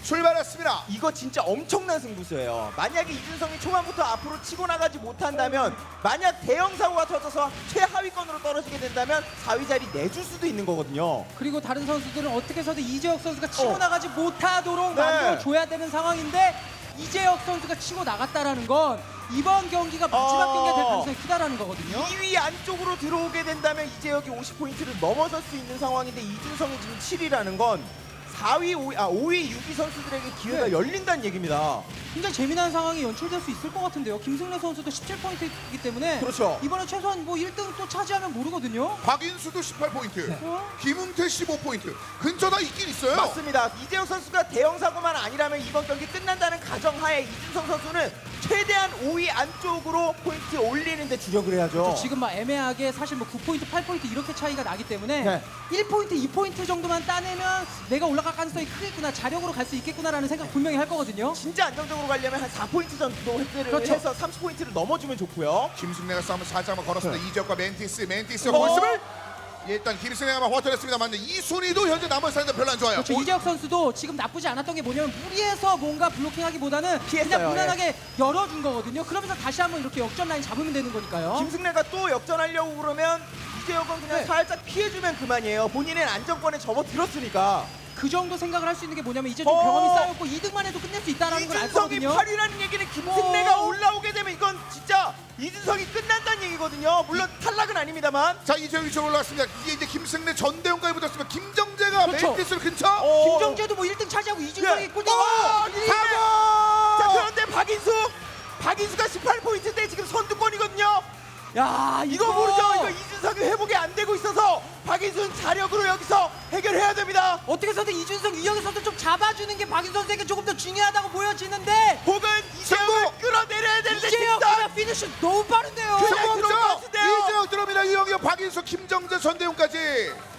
출발했습니다. 이거 진짜 엄청난 승부수예요. 만약에 이준성이 초반부터 앞으로 치고 나가지 못한다면, 만약 대형 사고가 터져서 최하위권으로 떨어지게 된다면 4위 자리 내줄 수도 있는 거거든요. 그리고 다른 선수들은 어떻게 해서든 이재혁 선수가 치고 나가지 못하도록 네. 만들어줘야 되는 상황인데 이재혁 선수가 치고 나갔다라는 건 이번 경기가 마지막 경기가 될 가능성이 크다라는 거거든요. 2위 안쪽으로 들어오게 된다면 이재혁이 50포인트를 넘어설 수 있는 상황인데 이준성이 지금 7위라는 건 4위, 5위, 6위 선수들에게 기회가 네. 열린다는 얘기입니다. 굉장히 재미난 상황이 연출될 수 있을 것 같은데요. 김승래 선수도 17포인트이기 때문에 그렇죠. 이번에 최소한 뭐 1등 또 차지하면 모르거든요. 박인수도 18포인트, 어? 김웅태 15포인트. 근처 다 있긴 있어요. 맞습니다. 이재혁 선수가 대형 사고만 아니라면 이번 경기 끝난다는 가정하에 이준성 선수는 최대한 5위 안쪽으로 포인트 올리는 데 주력을 해야죠. 지금 막 애매하게 사실 뭐 9포인트, 8포인트 이렇게 차이가 나기 때문에 네. 1포인트, 2포인트 정도만 따내면 내가 올라갈 가능성이 크겠구나, 자력으로 갈 수 있겠구나라는 생각 분명히 할 거거든요. 진짜 안정적으로 가려면 한 4포인트 정도 획득을 그렇죠. 해서 30포인트를 넘어주면 좋고요. 김승래가 싸움을 살짝만 걸었습니다. 이재혁과 멘티스가 어? 모습을 일단 김승래가 허전했습니다만 이순희도 현재 남은 사이드 별로 안 좋아요. 그렇죠. 이재혁 선수도 지금 나쁘지 않았던 게 뭐냐면 무리해서 뭔가 블로킹하기보다는 피했어요, 그냥 무난하게 열어준 거거든요. 그러면서 다시 한번 이렇게 역전 라인 잡으면 되는 거니까요. 김승래가 또 역전하려고 그러면 이재혁은 그냥 네. 살짝 피해주면 그만이에요. 본인은 안정권에 접어들었으니까. 그 정도 생각을 할 수 있는 게 뭐냐면 이제 좀 어. 경험이 쌓였고 2등만 해도 끝낼 수 있다는 걸 알 이준성이 거거든요. 8위라는 얘기는 김승래가 어. 올라오게 되면 이건 진짜 이준성이 끝난다는 얘기거든요. 물론 탈락은 아닙니다만. 자 이재혁 위쪽으로 올라왔습니다. 이제 김승래 전대웅까지 붙었으면 김정재가 그렇죠. 멘티스를 근처. 김정재도 뭐 1등 차지하고 이준성이 예. 꼴등. 자 사고. 그런데 박인수가 18포인트인데 지금 선두권이거든요. 야 이거 모르죠. 이거 이준성이 회복이 안 되고 있어서 박인수는 자력으로 여기서 해결해야 됩니다. 어떻게 해서든 이준성, 유영희 선수 좀 잡아주는 게 박인 선수에게 조금 더 중요하다고 보여지는데 혹은 이재혁을 승부! 끌어내려야 되는데 이재혁 진짜 그냥 피니쉬 너무 빠른데요. 그냥 들어올 것 성공자 같은데요. 이재혁 들어옵니다. 이영혁, 박인수, 김정재, 전대웅까지.